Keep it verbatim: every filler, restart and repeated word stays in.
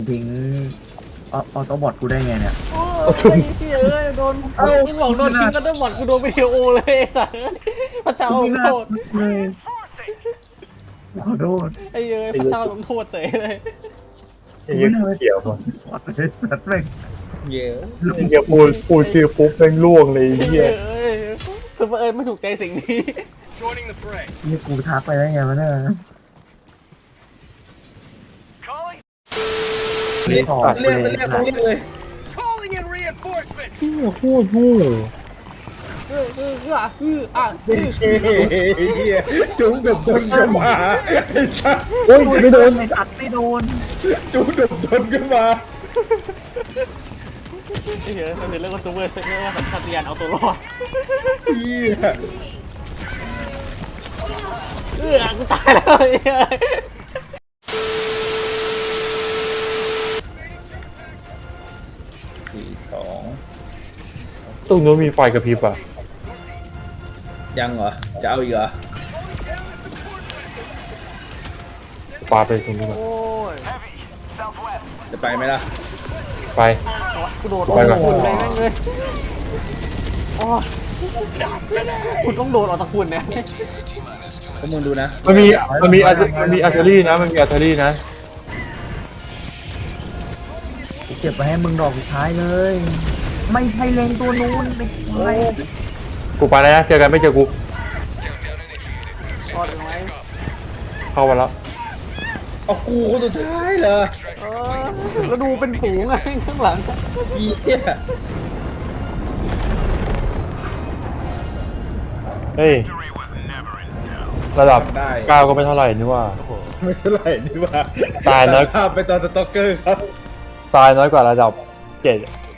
ทิ้งออโต้บอทกูได้ไงเนี่ยโอ้ยเอ้ยโดนมึงบอกโดนทิ้งกันต้องบอดกูโดนวิดีโอเลยไอ้สัสพระเจ้าลงโทษเลยขอโทษไอ้เอ้ยพระเจ้าลงโทษเตะเลยไอ้เหี้ยเกี่ยวป่ะขอโทษสัตว์แม่งเยอะไอ้เหี้ยพูดพูดชื่อปุ๊บแม่งล่วงเลยไอ้ไอ้เหี้ยเอ้ยซูเปอร์เอิร์ธไม่ถูกใจสิ่งนี้นี่กูทักไปได้ไงวะเนี่ยเรียกเรียกเรียกเรียกเลยเหี้ยโคตรโง่เออเออเออเอออ่ะเฮียจุ้งแบบโดนก็มาไอ้สัสโอ้ยไม่โดนไอ้สัตว์ไม่โดนจุ้งแบบโดนก็มาไอ้เหี้ยมันเป็นเรื่องของซูเปอร์เซนเนอร์ว่าสัญชาตญาณเอาตัวรอดเฮียเออกูตายแล้วไอ้เหี้ยสี่สองตรงนู้นมีไฟกระพริบอ่ะยังเหรอจะเอาอีกเหรอปาไปตรงนู้นก่อนโอ้ยจะไปไหมล่ะไปกูโดดไปก่อนคุณเลยแม่งเลยโอ้ยคุณต้องโดดออกตะคุณเนี่ยพวกมึงดูนะมันมีมันมีอาร์มันมีอาร์เทอรี่นะมันมีอาร์เทอรี่นะกูเก็บไปให้มึงดอกสุดท้ายเลย ไม่ใช่เลงตัวนู้นไม่ใช่กูไปแล้วนะเจอกันไม่เจอกูรอดไหมเข้ามาแล้วเอากูคนสุดท้ายเหรอเออแล้วดูเป็นฝูงไงข้างหลังเฮียเฮ้ยระดับเก้าก็ไม่เท่าไหร่นี่ว่าไม่เท่าไหร่นี่ว่าตายแล้วภาพไปตอนสต็อกเกอร์ครับตายน้อยกว่าระดับเจ็ด